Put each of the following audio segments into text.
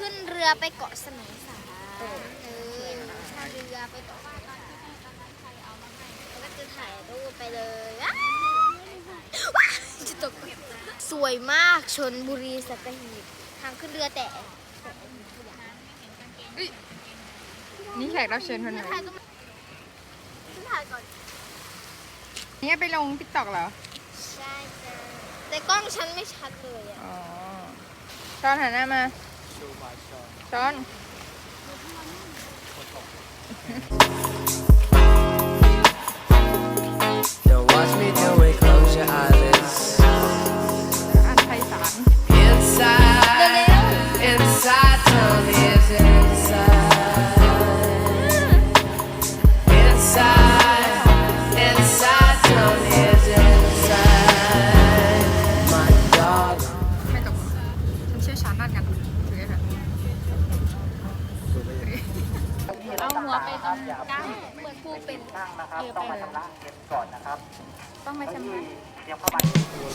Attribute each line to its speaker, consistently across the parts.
Speaker 1: ขึ้นเรือไปเกาะสมัยสารชาเรือไปเกาะแล้วก็จะถ่ายรูปไปเลยจะตกสวยมากชลบุรีสัตหีบทางขึ้นเรือแต่
Speaker 2: นี่แขกรับเชิญคนไหน
Speaker 1: ถ่ายก่อน
Speaker 2: นี่ไปลงติ๊กต็อกเหรอ
Speaker 1: ใช่จ้ะแต่กล้องฉันไม่ชัดเลยอ่ะ
Speaker 2: อ๋อช้อนหันหน้ามาช้อน
Speaker 3: Don't watch me do it, close your eyelids.
Speaker 2: อันไพศาล
Speaker 3: Inside, inside, tell me is it inside? Inside, inside, tell me is it inside? My dog.
Speaker 2: ไม่ตกฉันเชี่ยวชาญด้านการถือค่ะ
Speaker 1: เอาหัวไปตรงกลางเหมือนผู้เป็น
Speaker 4: ต้องมาชำระเงินก่อนนะครับ
Speaker 2: ต้องมาชำระ
Speaker 4: เตรียมเข้ามา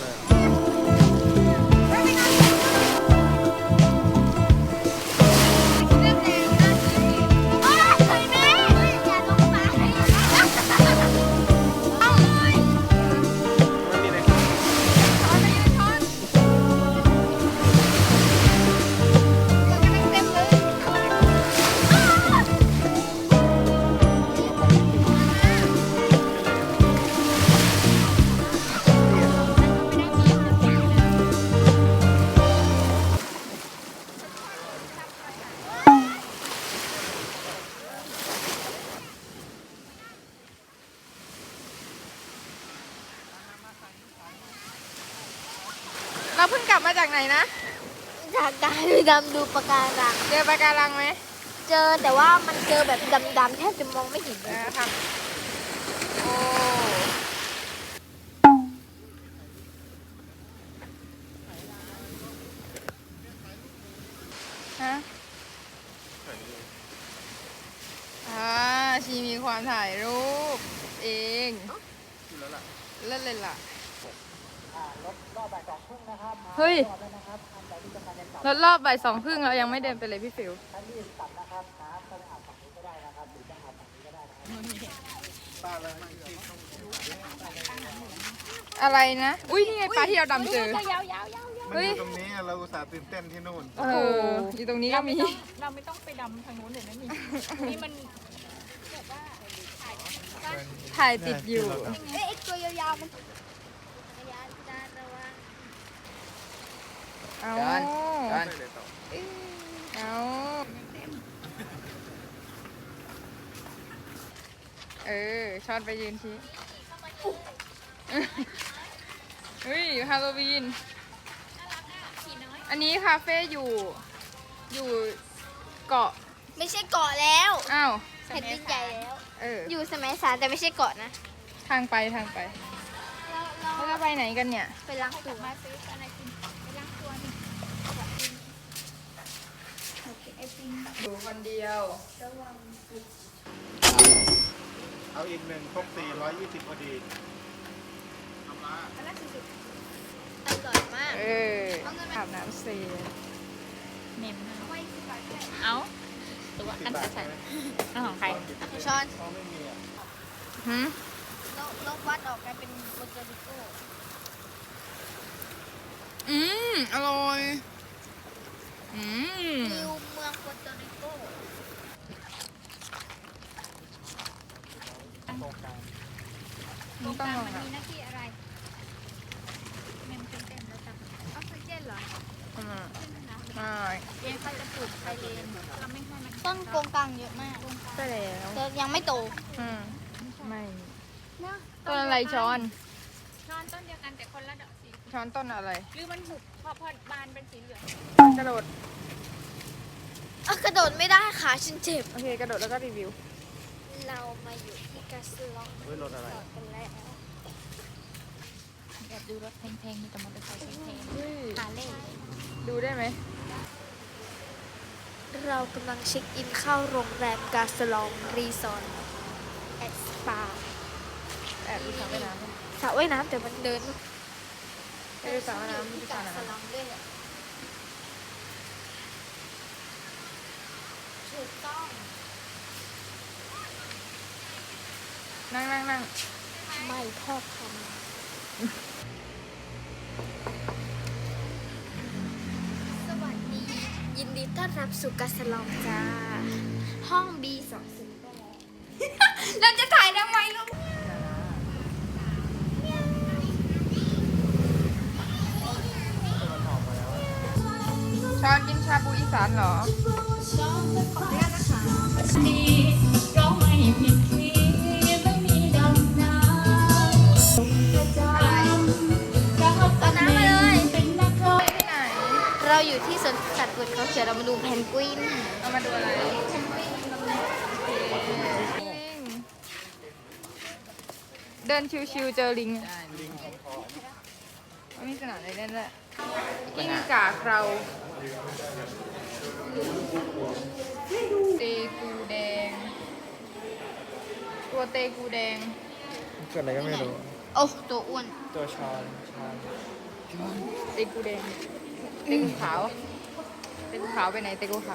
Speaker 2: เราเพิ่งกลับมาจากไหนนะ
Speaker 1: จากการไปดำดูปะการัง
Speaker 2: เจอปะการังไหม
Speaker 1: เจอแต่ว่ามันเจอแบบดำๆแทบจะมองไม่เห็นเลย
Speaker 2: นะครับโอ้ฮะชีมีความถ่ายรูปเองเล่นเลยล่ะเฮ้ยรถรอบบ่าย2:30เรายังไม่เดินไปเลยพี่ฟิวอะไรนะ อุ้ยนี่ไงปลาที่เราดำเจอ
Speaker 5: มันอยู่ตรงนี้เราอุตส่าห์ตื่นเต้นที่นู่น
Speaker 2: เอออยู่ตรงนี้ก็มี
Speaker 6: เราไม่ต้องไปดำทางนู้นเดี๋ยวนั้นนี่มัน
Speaker 2: ถ่ายติดอยู่
Speaker 1: เอ๊ะไอ้ตัวยาวๆมันยาวจานระวัง
Speaker 2: เอาเอาช้อนไปยืนชี้เฮ้ยฮาโลวีน อันนี้คาเฟ่อยู่เกาะ
Speaker 1: ไม่ใช่เกาะแล้ว
Speaker 2: อ้าว
Speaker 1: แผ่นดินใหญ่แล้ว
Speaker 2: อ
Speaker 1: อยู่สมัยสารแต่ไม่ใช่เกาะนะ
Speaker 2: ทางไปแล้วเราไปไหนกันเนี่ย
Speaker 1: ไปล้างตัว
Speaker 6: มาซื้ออะไรกินไปล้างตัวนี่
Speaker 2: อยู่คนเดียว
Speaker 5: เอาอีกหนึ่งครบ420พอดี
Speaker 1: อร่อยมาก
Speaker 2: อาบน้ำเสร็จ
Speaker 6: เน็มเอาตัวอันใส่อันของใคร
Speaker 1: ช้อน
Speaker 2: หืม
Speaker 1: นกวัดออกกลายเป็นโปรตุริโก
Speaker 2: อร่อย
Speaker 1: นิวเมืองโปรตุริโก
Speaker 6: ตรงกลางมันมีหน้าที่อะไรเมมเต็มแล้วจับออกซิเจนเหรอ
Speaker 2: ใช่
Speaker 6: เย็นเขาจะปลูกไซเลนเราไม่ให้มัน
Speaker 1: ต้นโกงกลางเยอะมาก
Speaker 2: ใช่แล้ว
Speaker 1: แต่ยังไม่โต
Speaker 2: ไม่ต้นอะไรช้อน
Speaker 6: ช้อนต้นเดียวกันแต่คนละดอกสี
Speaker 2: ช้อนต้นอะไร
Speaker 6: หรือมันหุบพอบานเป็นสีเหลือง
Speaker 2: กระโดด
Speaker 1: กระโดดไม่ได้ขาฉันเจ็บ
Speaker 2: โอเค กระโดดแล้วก็รีวิว
Speaker 1: เรามาอยู่ที่กาสลอง
Speaker 5: เฮ้ยรถอะไร
Speaker 1: จอดกันแล้ว
Speaker 6: แบบดูรถแพงๆมีแต่มอเตอร์ไซค์แพง
Speaker 2: เฮ้ย
Speaker 6: ๆฮาร์เลย์
Speaker 2: ดูได้ไหม
Speaker 1: เรากำลังเช็คอินเข้าโรงแรมกาสลองรีสอร์ทแอดสปา
Speaker 2: แอบดูสระว่ายน้ำเนี่ย
Speaker 1: สระว่ายน้ำแต่มันเดิน
Speaker 2: ไปดูสระว่ายน้ำดู
Speaker 1: ที่
Speaker 2: สระ
Speaker 1: กาสล
Speaker 2: น้ำ
Speaker 1: องด้วยอะ
Speaker 2: นั่งนั่งนั่ง
Speaker 1: ไม่ทอดทำสวัสดี ยินดีต้อนรับสู่กาสลองจ้า ห้อง B208 เราจะถ่ายทำไมลูก
Speaker 2: ชอนกินชาบูอีสานเหรอ
Speaker 1: เอาน้ำมาเลย
Speaker 2: ที่ไหน
Speaker 1: เราอยู่ที่สวนสัตว์เปิดเขาเขียวเรามาดูแพนกวิน
Speaker 2: เอามาดูอะไรเดินชิวๆเจอลิงไม่มีสนามอะไรเล่นด้วยกิ้งก่าเราเตกูแดง ตัวเตกูแดง
Speaker 5: เกิดอะไรก็ไม่รู้
Speaker 1: โอ้ตัวอ้วน
Speaker 5: ตัวชอน
Speaker 2: เตกูแดงเตกูขาวเตกูขาวไปไหนเตกูขาว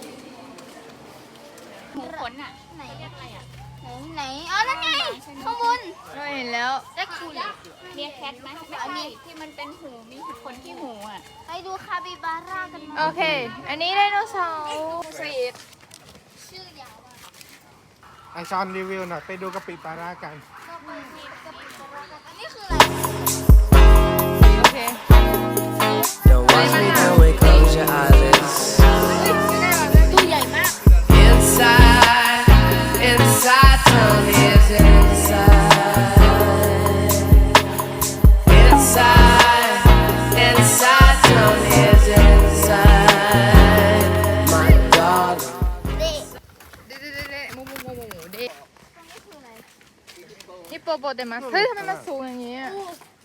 Speaker 6: หูขนอ่ะไหนเรียกอะไรอ่ะ
Speaker 1: ไหนอ๋อนั่นไงข้างบน
Speaker 2: เราเห็นแล้ว
Speaker 1: เล็กคูล
Speaker 6: เรียกแคทไหมไม่ใช่ที่มันเป็นหูมีขนที่หูอ่ะ
Speaker 1: ไปดูคาบิบาร่ากันไหม
Speaker 2: โอเค อันนี้ไดโนเสาร์สวีท
Speaker 1: ชื่อยาวอะ
Speaker 5: ไอชอนรีวิวหน่อยไปดูกะปิปลาร่ากัน
Speaker 1: อันนี้คืออะไร
Speaker 2: โอเค
Speaker 3: Don't watch me do it, close your eyelids.
Speaker 1: ตัวใหญ่มาก
Speaker 3: Inside, inside, Tony's inside. Inside, inside, Tony's inside. My dog.
Speaker 1: เด็ก
Speaker 2: เด็ดๆๆๆหมูเด็ดนี่โปโปเตมัสเฮ้ยทำไมมันสูงอย่างนี้อะ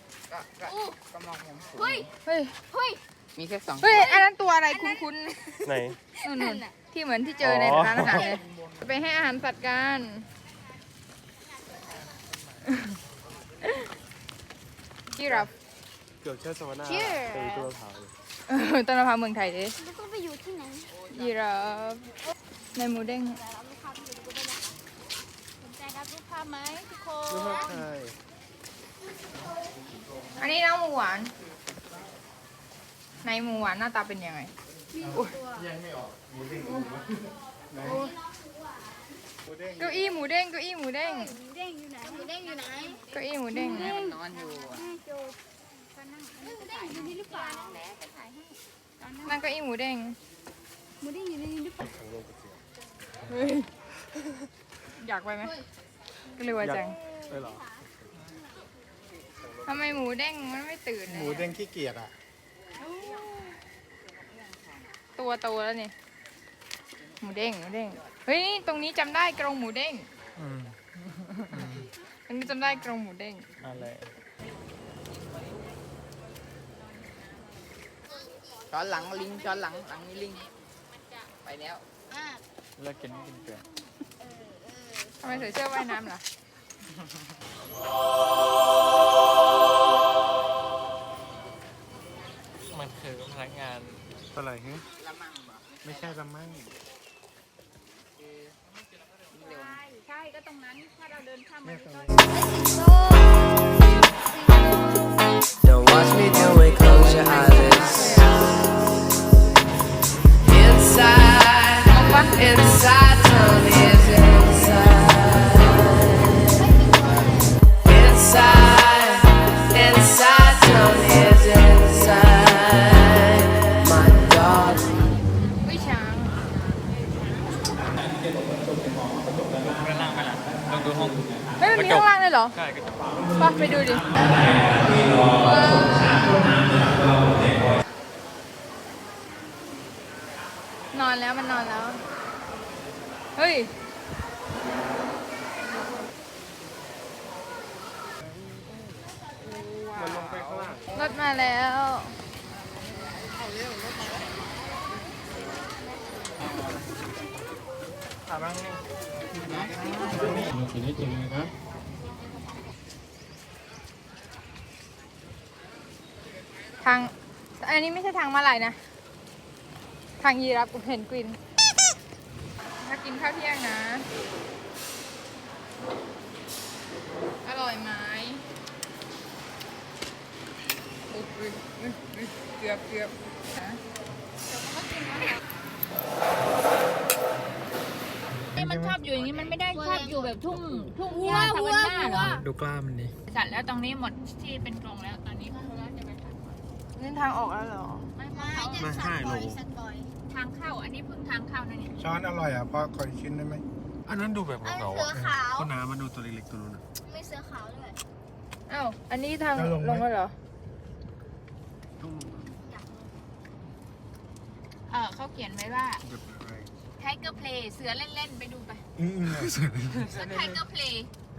Speaker 1: เฮ้ย
Speaker 2: เฮ้ย
Speaker 1: เฮ้ย
Speaker 7: มีแค่2
Speaker 2: เฮ้ย อันนั้นตัวอะไรคุ้น
Speaker 5: ไหน
Speaker 2: ๆนู่นๆที่เหมือนที่เจอในร้านอาหารเลย ไปให้อาหารสัตว์กัน จิราฟ
Speaker 5: เกือบเชื่อสวรรค์
Speaker 1: Cheers
Speaker 5: เป็นตัวเผา
Speaker 2: ต้นมะพร้าวเมืองไทยดิ
Speaker 1: แล้วก็ไปอยู่ที่ไหน
Speaker 2: จิราฟในหมูเด้ง
Speaker 6: สนใจรับรูปภาพไหมทุกค
Speaker 5: ลูก
Speaker 6: น
Speaker 5: ชาย
Speaker 2: อันนี้น้องหมูหวาน ในหมูหวานหน้าตาเป็นยังไง เก้าอี้หมูเด้ง เก้าอี้หมูเด้ง
Speaker 1: หมูเด้งอยู่ไหนหมูเด้งอยู่ไหน
Speaker 2: เก้าอี้หมูเด้ง
Speaker 7: นอนอยู่อะ
Speaker 1: หมูเด้งอยู่นี่หรือเปล่า
Speaker 2: นั่นเก้าอี้หมูเด้ง
Speaker 1: หมูเด้งอยู่ในนี้หรือเปล่า
Speaker 2: เฮ้ย อยากไปไหมก็เลยว่าจัง
Speaker 5: เออเหรอ
Speaker 2: ทำไมหมูเด้งมันไม่ตื่นเลย
Speaker 5: หมูเด้งขี้เกียจอ่ะ
Speaker 2: ตัวโตแล้วนี่ หมูเด้ง หมูเด้ง เฮ้ย ตรงนี้จำได้กรงหมูเด้ง ตรงนี้จำได้กรงหมูเด้ง
Speaker 5: อะไร
Speaker 7: ช้อนหลังลิงช้อนหลังมีลิง ไปแล้ว
Speaker 5: เลิกกินกินเกลือ
Speaker 2: ทำไมใส่เสื้อว่ายน้ำล่ะ
Speaker 5: มันคือพนักงานอะไรฮะ
Speaker 7: ละมั่งบ่
Speaker 5: ไม่ใช่ละมั่ง
Speaker 7: เร็ว
Speaker 6: ใช่ก็ตรงนั้นถ้าเราเดินข้าม
Speaker 5: ไม่
Speaker 6: มา
Speaker 5: ตรง
Speaker 6: ก็
Speaker 5: นี้
Speaker 3: Don't watch me do it, close your eyelids. Inside, inside, Tony's inside. Inside, inside, Tony's inside. My dog.
Speaker 2: วิช้าง เฮ้ย มันมีข้างล่างเลยเหรอ ใช่ไปดูดิ นอนแล้วมันนอนแล้ว เฮ้ย
Speaker 5: มันลงไปข้างล่าง
Speaker 2: รถมาแล้ว
Speaker 5: ถามบ้าง
Speaker 2: ทาง อันนี้ไม่ใช่ทางมาลายนะ ทางยีราฟกับเพนกวิน ถ้ากินข้าวเที่ยงนะอร่อยไหมอุ๊ยเกือบฮะ
Speaker 6: นี่มันชอบอยู่อย่างนี้มันไม่ได้ชอบอยู่แบบทุ่งหญ้าธรรมชาติเหรอ
Speaker 5: ดูกล้ามันดิ
Speaker 6: สัตว์แล้วตรงนี้หมดที่เป็นกรงแล้วตอนนี้เขาจะไปตัด
Speaker 2: นี่ทางออกแล้วเหรอ
Speaker 6: ไม่
Speaker 5: มา5 โล
Speaker 6: ทางเข้าอันนี้เพิ่งทางเข้านะนี่
Speaker 5: ช้อนอร่อยอ่ะพอขออีกชิ้นได้ไหมอันนั้นดูแบบ
Speaker 1: อัน
Speaker 5: เก่า
Speaker 1: เสือขาว
Speaker 5: ก็น้ำมาดูตัวเล็กๆตัวนู้นอ่ะ
Speaker 1: มีเสือขาวด้วย
Speaker 2: อ้าว อันนี้ทาง
Speaker 5: จะลงไหม
Speaker 2: ลงแล้วเหรอ
Speaker 6: เขาเขียนไว้ว่า
Speaker 5: เดี๋ยวไป
Speaker 6: Tiger Play เสือเล่นๆไปดูไป
Speaker 5: อืม
Speaker 6: เสือ Tiger Play